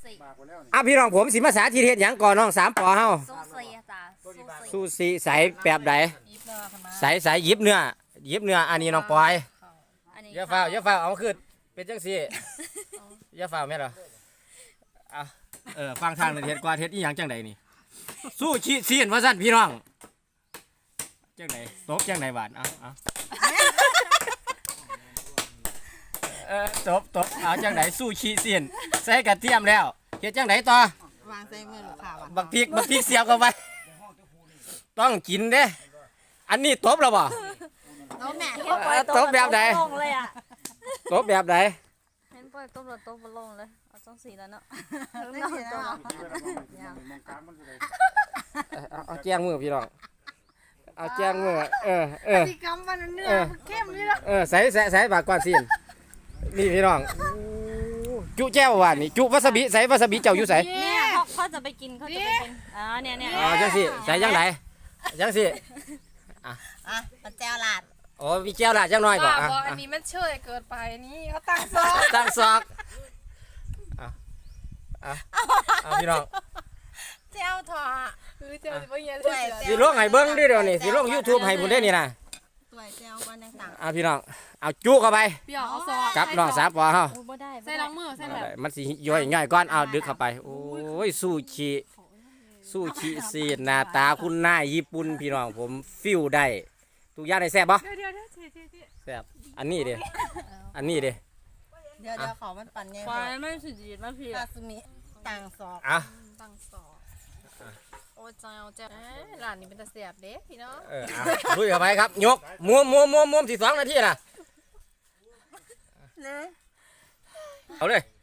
พี่น้องผมสิมาสาธิตเฮ็ดหยังก่อนน้อง3 ปอเฮาซูซีใส่แบบใดใส่ยิบเนื้ออันนี้น้องปอยอย่าฝ้าเอาขึ้นเป็นจังซี่อย่าฝ้าแม่นเหรอฟังทางเฮ็ดกว่าเฮ็ดอีหยังจังใดนี่สู้ชีซีนว่าซั่นพี่น้องจังใดตบจังใดบาดตบเอาจังไหนสู้ชีเสียนใส่กระเทียมแล้วเฮ็ดจังไหนต่อวางใส่มือลูกค้าบักพริกเสียบเข้าไปต้องกินเด้อันนี้ตบแล้วบ่น้องแม่ตบแบบไหนตบแบบไหนเห็นปล่อยตบแล้วตบลงเลยเอาจังสีแล้วเนาะเอาแจ้งมือพี่น้องเอาแจ้งมือที่กำมันเนื้อเข้มเลยใส่บากก่อนสินี่พี่น้องจุแจ้วหวานนี่จุวาซาบิใส่วาซาบิเจ้าอยู่ใส่เนี่ยเขาจะไปกินเนี่ยจังสิใส่จังไหนจังสิมันแจวลาดโอ้มีแจ้วลาดจังน้อยบ่อันนี้มันเชยเกินไปนี่เขาตั้งซอกพี่น้องแจวถอเจ้าสิบ่เงี้ยสิลงให้เบิ่งดิเดี๋ยวนี้สิลง YouTube ให้พุ่นได้นี่นะตัวแจวมันต่างพี่น้องเอาจุเข้าไปกับน้อง3 ปอเฮาใส่ล้างมือใส่แบบมันสิย่อยง่ายก่อนเอาดึกเข้าไปโอ้ยซูชิซีหน้าตาคุณนายญี่ปุ่นพี่น้องผมฟิลได้ทุกอย่างได้แซ่บบ่แซ่บอันนี้เด้เดี๋ยวขอมันปั่นไงไม่สุดจีดมาพี่ซาซิมิต่างซอกตั้งซอกโอ้เจ้าร้านนี้เป็นตะเสียบเด้พี่น้องลุยเข้าไปครับยกม้วน12 นาทีน่ะเอาเลย